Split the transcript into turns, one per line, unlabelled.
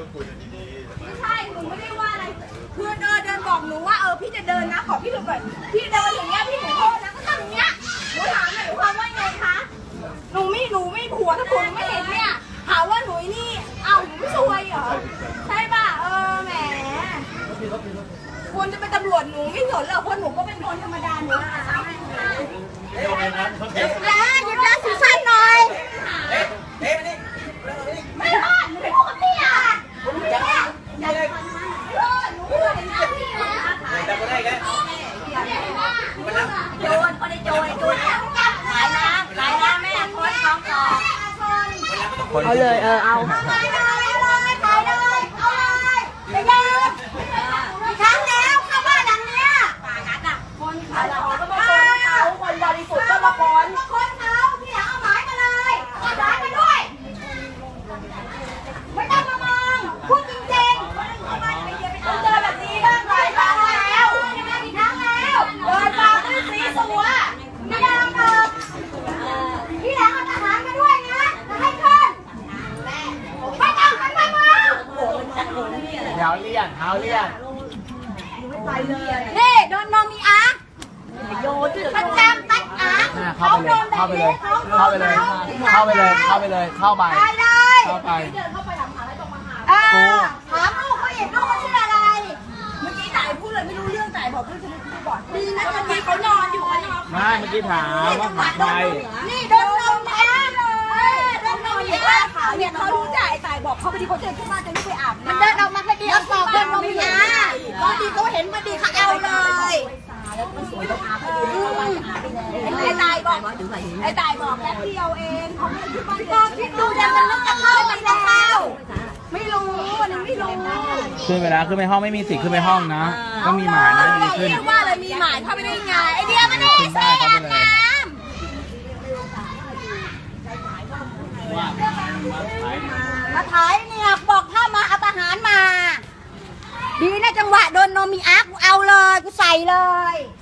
ไม่ใช่หนูไม่ได้ว่าอะไรคือเดินบอกหนูว่าพี่จะเดินนะขอพี่หนูหน่อยพี่เดินอย่างเงี้ยพี่หนูโทษนะก็ทำอย่างเงี้ยหนูถามหน่อยความว่าไงคะหนูไม่ผัวถ้าผัวไม่เห็นเนี่ยหาว่าหนูนี่หนูไม่ช่วยเหรอใช่ป่ะแหมควรจะเป็นตำรวจหนูไม่สนหรอกเพราะหนูก็เป็นคนธรรมดาหนูหยุดนะสุสั้นหน่อยไม่รอดหนูไม่พูดกับพี่อ่ะหนูพูดเห็นหน้าพี่นะโจรคนในโจรขายน้ำแม่คนท้องก่อนเอาเลยเอาขายเลยไปเลยครั้งแล้วเข้าบ้านหลังเนี้ยคนขายของก็มาคนเขาคนบริสุทธิ์ก็มาคนเขาพี่หลังเอาหมายมาเลยเอาหมายมาด้วยไม่ต้องมามองพูดจริงๆต้องเจอแบบนี้บ้างหลายครั้งแล้วกี่ครั้งแล้วเดินมาด้วยสีสัวไม่ได้หรอกพี่หลังเอาทหารมาด้วยนะจะให้ขึ้นไม่ต้องกันมา
เท้าเลี่ยน
นี่โดนนมมีอาร์ประจำตัดอาร์เขาโดนแบบนี้เข้าไปเลย
เข้าไปเดินเข้าไป
เดินเข้าไปหลังหาอะไรตรงมาหาถามลูกเขาเห็นลูกเขาชื่ออะไรเมื่อกี้จ่ายพูดเลยไม่รู้เรื่องจ่ายบอกเพื่อนจะไม่พูดก่อนดีนะตอนนี้เขานอนอยู่
ไม่เมื่อกี้ถามว่าหาใคร
นี่โดนนมมีอาร์โดนนมมีอาร์เนี่ยเขารู้จ่ายบอกเขาพอดีเขาเดินขึ้นมาจะไม่ไปอาบน้ำมันเดินออกมาพอดีเขาบอกโดนนมมีอาร์พอดีเขาเห็นพอดีเขาเอาเลยไอ้ตายบอกแป๊บเดียวเองเขาไม่ที่บ้านก็คิดดูยังมันจะเข้าไปแล้วไม่รู้ยังไม่รู้
ขึ้นไปแล้วขึ้นไปห้องไม่มีสิทธิ์ขึ้นไปห้องนะก็มีหมายนะดีขึ้น
เรียกว่าอะไรมีหมายเข้าไปได้ไงไอเดียมันได้ใช่อาบน้ำมาถ่ายเนี่ยบอกถ้ามาเอาทหารมาดีนะจังหวะโดนนมมีอาร์กูเอาเลยกูใส่เลย